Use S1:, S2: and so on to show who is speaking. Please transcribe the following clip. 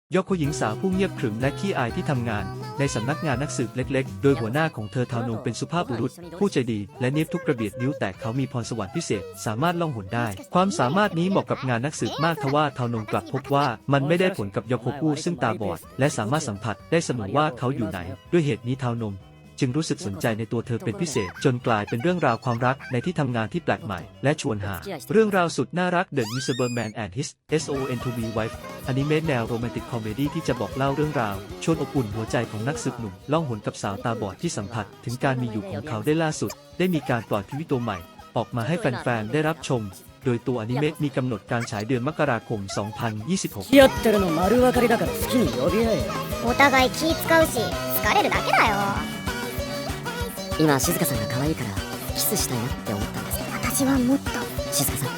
S1: ยอโคหญิงสาวผู้เงียบขรึมและขี้อายที่ทำงานในสำนักงานนักสืบเล็กๆ โดยหัวหน้าของเธอทาโนงเป็นสุภาพบุรุษผู้ใจดีและเนียบทุกกระเบียดนิ้วแต่เขามีพรสวรรค์พิเศษสามารถล่องหนได้ความสามารถนี้เหมาะกับงานนักสืบมากทว่าทาโนงกลับพบว่ามันไม่ได้ผลกับยอโคกุซึ่งตาบอดและสามารถสัมผัสได้เสมอว่าเขาอยู่ไหนด้วยเหตุนี้ทาโนงจึงรู้สึกสนใจในตัวเธอเป็นพิเศษจนกลายเป็นเรื่องราวความรักในที่ทำงานที่แปลกใหม่และชวนหาเรื่องราวสุดน่ารัก The Miserable Man and His SON2B Wife อนิเมะแนวโรแมนติกคอมเมดี้ที่จะบอกเล่าเรื่องราวชวนอบอุ่นหัวใจของนักสืบหนุ่มล่องหนกับสาวตาบอดที่สัมผัสถึงการมีอยู่ของเขาได้ล่าสุดได้มีการปล่อยพรีวิวตัวใหม่ออกมาให้แฟนๆได้รับชมโดยตัวอนิเมะมีกำหนดการฉายเดือนมกราคม 2026
S2: 付き合ってるの丸分かりだから好きに呼び合えよ。
S3: お互い気使うし疲れるだけだよ。
S4: 今静香さんが可愛いからキスしたいなって思ったんです。
S3: 私はもっと
S4: 静香さん